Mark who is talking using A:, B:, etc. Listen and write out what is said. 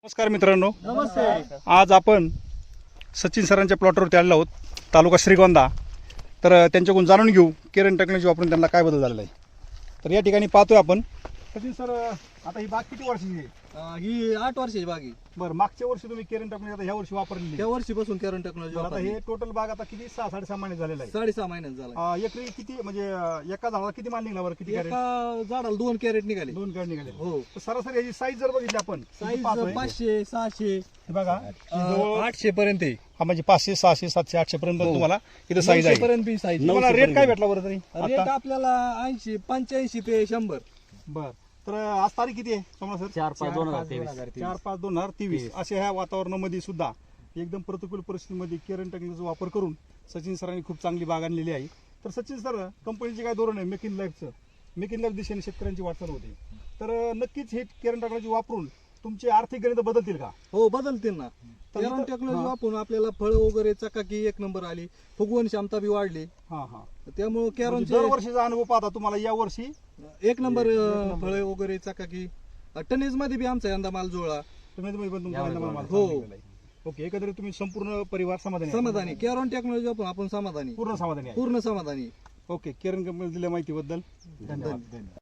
A: नमस्कार मित्रांनो,
B: नमस्ते.
A: आज आपण सचिन सरांच्या प्लॉटवरती आलेलो आहोत, तालुका श्रीगोंदा. तर त्यांच्याकडून जाणून घेऊ केरन टेक्नॉलॉजी वापरून त्यांना काय बदल झालेला आहे. तर या ठिकाणी पाहतोय आपण सचिन सर, आता ही बाग किती वर्षाची आहे?
B: ही 8 वर्षाची बाग आहे.
A: बरं, मागच्या वर्षी तुम्ही केरन टेक्नॉलॉजी आता ह्या वर्षी वापरलेली
B: त्या
A: आहे.
B: वर्षीपासून केरन टेक्नॉलॉजी
A: बरं, आता हे टोटल बाग आता किती 6-6.5 महिने झालेला आहे.
B: 6.5 महिन्यात झाला.
A: एकरी किती म्हणजे एका झाडाला किती माल निघाला बरं? किती कॅरेट?
B: एका झाडाला 2 कॅरेट निघाले.
A: 2 कॅरेट निघाले.
B: हो.
A: तर सरासरी याची साईज जर बघितली आपण
B: साईज
A: पाहतोय,
B: 500 600
A: हे बघा, जवळ
B: 800 पर्यंत आहे.
A: हा म्हणजे 500 600 700 800 पर्यंत तुम्हाला इथं साईज आहे.
B: पर्यंत बी साईज.
A: तुम्हाला रेट काय भेटला बरं तरी
B: रेट
A: आता?
B: आपल्याला 80 85 ते 100.
A: बर, तर आज तारीख किती आहे सोमवार सर?
C: 4/5/2023.
A: 4/5/2023. अशा ह्या वातावरणामध्ये सुद्धा एकदम प्रतिकूल परिस्थितीमध्ये केरन टेक्नॉलॉजीचा वापर करून सचिन सरांनी खूप चांगली बाग आणलेली आहे. तर सचिन सर, कंपनीचे काय धोरण आहे? मेक इन लाईफचं, मेक इन लाईफ दिशेने शेतकऱ्यांची वाटचाल होते. तर नक्कीच हे केरन टेक्नॉलॉजी वापरून तुमचे आर्थिक गणित बदलतील का?
B: हो, बदलतील ना.
A: तर
B: केरन
A: इथं-
B: टेक्नॉलॉजी
A: हा.
B: वापरून आपल्याला फळ वगैरे चकाकी 1 नंबर आली. फुगवण क्षमता बी वाढली.
A: हा हा.
B: त्यामुळे
A: म्हणजे
B: केरनचे
A: दरवर्षीचा अनुभव पाहता तुम्हाला या वर्षी
B: 1 नंबर फळे वगैरे चकाकी. टनेज मध्ये बी आमचा यंदा माल जुळला.
A: तुम्ही पण तुमचा
C: यावेळी
A: आनंद माल
B: हो.
A: चांगला आहे. ओके, एकंदरीत तुम्ही संपूर्ण परिवार समाधानी आहे?
B: समाधानी. केरन टेक्नॉलॉजी वापरून आपण समाधानी,
A: पूर्ण समाधानी आहे.
B: पूर्ण समाधानी.
A: ओके, केरन कंपनी दिल्या माहितीबद्दल धन्यवाद.